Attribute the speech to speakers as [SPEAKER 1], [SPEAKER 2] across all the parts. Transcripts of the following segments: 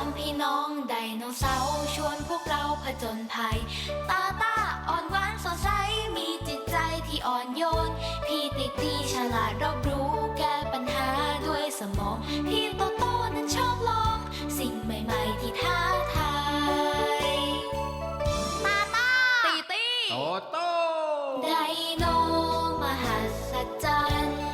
[SPEAKER 1] ามพี่น้องไดโนเสาร์ชวนพวกเราผจญภัยตาตาอ่อนหวานสดใสมีจิตใจที่อ่อนโยนพี่ติตี้ฉลาดรอบรู้แก้ปัญหาด้วยสมองพี่โตโต้นั้นชอบลองสิ่งใหม่ๆที่ท้าทายตาตาตีตี้
[SPEAKER 2] โตโต้
[SPEAKER 1] ไดโนมหัศจรรย์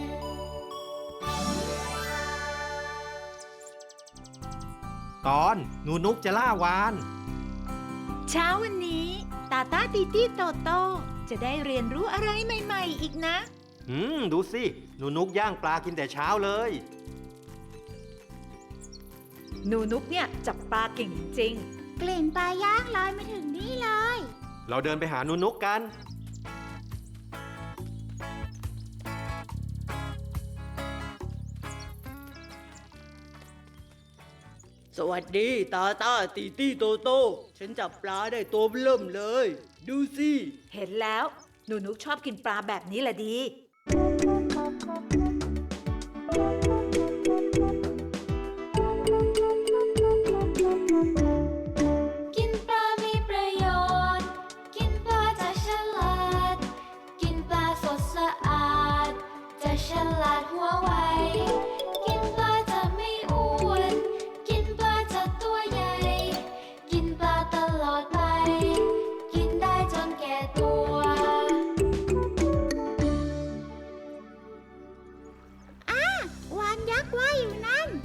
[SPEAKER 2] ตอนหนูนุกจะล่าวาน
[SPEAKER 3] เช้าวันนี้ตาตาตีตี้โตโต้จะได้เรียนรู้อะไรใหม่ๆอีกนะ
[SPEAKER 2] ดูสิหนูนุกย่างปลากินแต่เช้าเลย
[SPEAKER 3] หนูนุกเนี่ยจับปลาเก่งจริง
[SPEAKER 4] กลิ่นปลาย่างลอยมาถึงนี่เลย
[SPEAKER 2] เราเดินไปหาหนูนุกกัน
[SPEAKER 5] สวัสดีตาตาตีตี้โตโต้ฉันจับปลาได้ตัวเริ่มเลยดูสิ
[SPEAKER 3] เห็นแล้วหนูนุกชอบกินปลาแบบนี้แหละดี
[SPEAKER 1] กินปลามีประโยชน์กินปลาจะฉลาดกินปลาสดสะอาดจะฉลาดหัวไวกินปลาจะไม่อ้วนกินปลาจะตัวใหญ่กินปลาตลอดไปกินได้จนแก่ตัว
[SPEAKER 4] วานยักษ์ว่ายอยู่นั่น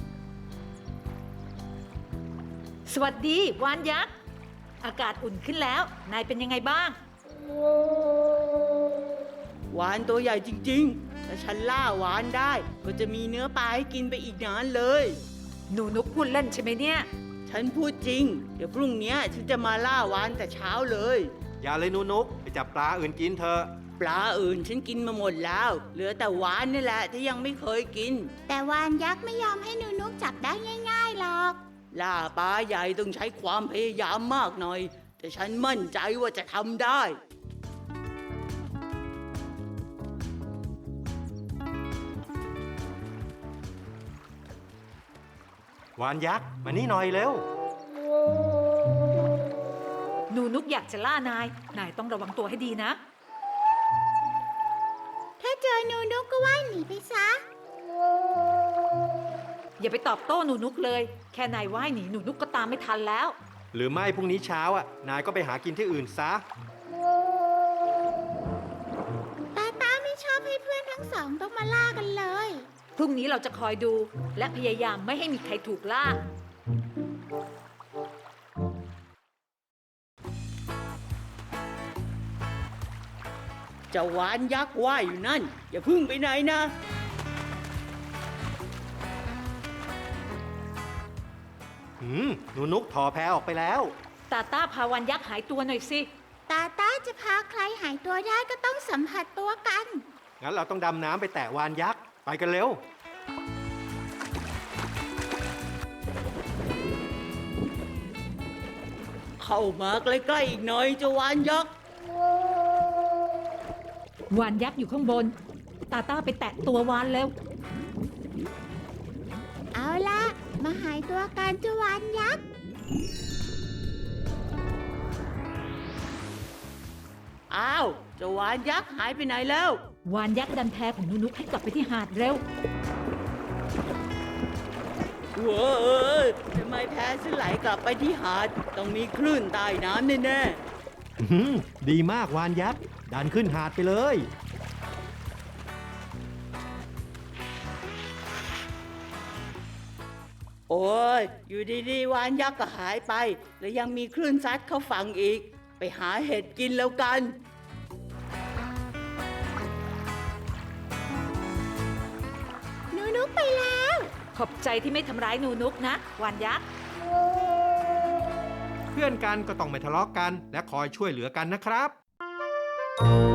[SPEAKER 3] สวัสดีวานยักษ์อากาศอุ่นขึ้นแล้วนายเป็นยังไงบ้าง
[SPEAKER 5] หวานตัวใหญ่จริงๆถ้าฉันล่าหวานได้ก็จะมีเนื้อปลาให้กินไปอีกนานเลย
[SPEAKER 3] หนูนุกพูดเล่นใช่ไหมเนี่ย
[SPEAKER 5] ฉันพูดจริงเดี๋ยวพรุ่งนี้ฉันจะมาล่าหวานแต่เช้าเลย
[SPEAKER 2] อย่าเลยหนูนุกไปจับปลาอื่นกินเถอะ
[SPEAKER 5] ปลาอื่นฉันกินมาหมดแล้วเหลือแต่หวานนี่แหละที่ยังไม่เคยกิน
[SPEAKER 4] แต่วานยักษ์ไม่ยอมให้หนูนุกจับได้ง่ายๆหรอก
[SPEAKER 5] ล่าปลาใหญ่ต้องใช้ความพยายามมากหน่อยแต่ฉันมั่นใจว่าจะทำได้
[SPEAKER 2] วานยักษ์มานี่หน่อยเร็ว
[SPEAKER 3] หนูนุกอยากจะล่านายต้องระวังตัวให้ดีนะ
[SPEAKER 4] ถ้าเจอหนูนุกก็ว่ายหนีไปซะ
[SPEAKER 3] อย่าไปตอบโต้หนูนุกเลยแค่นายว่ายหนีหนูนุกก็ตามไม่ทันแล้ว
[SPEAKER 2] หรือไม่พรุ่งนี้เช้านายก็ไปหากินที่อื่นซะ
[SPEAKER 4] ตาไม่ชอบให้เพื่อนทั้งสองต้องมาล่ากันเลย
[SPEAKER 3] พรุ่งนี้เราจะคอยดูและพยายามไม่ให้มีใครถูกล่า
[SPEAKER 5] เจ้าหวานยักษ์ว่ายอยู่นั่นอย่าพึ่งไปไหนนะ
[SPEAKER 2] หนูนุกถอแพออกไปแล้ว
[SPEAKER 3] ตาต้าพาวันยักษ์หายตัวหน่อยสิ
[SPEAKER 4] ตาจะพาใครหายตัวได้ก็ต้องสัมผัสตัวกัน
[SPEAKER 2] งั้นเราต้องดำน้ำไปแตะวานยักษ์ไปกันเร็ว
[SPEAKER 5] เข้ามาใกล้ๆอีกหน่อยเจ้าหวานยักษ์
[SPEAKER 3] วานยักษ์อยู่ข้างบนตาต้าไปแตะตัววานเร็ว
[SPEAKER 4] เอาล่ะมาหายตัวกันเจ้าวานยักษ์
[SPEAKER 5] อ้าวเจ้าหวานยักษ์หายไปไหนแล้ว
[SPEAKER 3] วานยักษ์ดันแพของหนูนุกให้กลับไปที่หาดเร็ว
[SPEAKER 5] เว้ยทำไมแพฉันไหลกลับไปที่หาดต้องมีคลื่นใต้น้ำแน่
[SPEAKER 2] ๆดีมากวานยักษ์ดันขึ้นหาดไปเลย
[SPEAKER 5] โอ้ยอยู่ดีๆวานยักษ์ก็หายไปแล้วยังมีคลื่นซัดเข้าฝั่งอีกไปหาเห็ดกินแล้วกัน
[SPEAKER 4] หนูนุกไปแล้ว
[SPEAKER 3] ขอบใจที่ไม่ทำร้ายหนูนุกนะวานยักษ์
[SPEAKER 2] เพื่อนกันก็ต้องไม่ทะเลาะกันและคอยช่วยเหลือกันนะครับ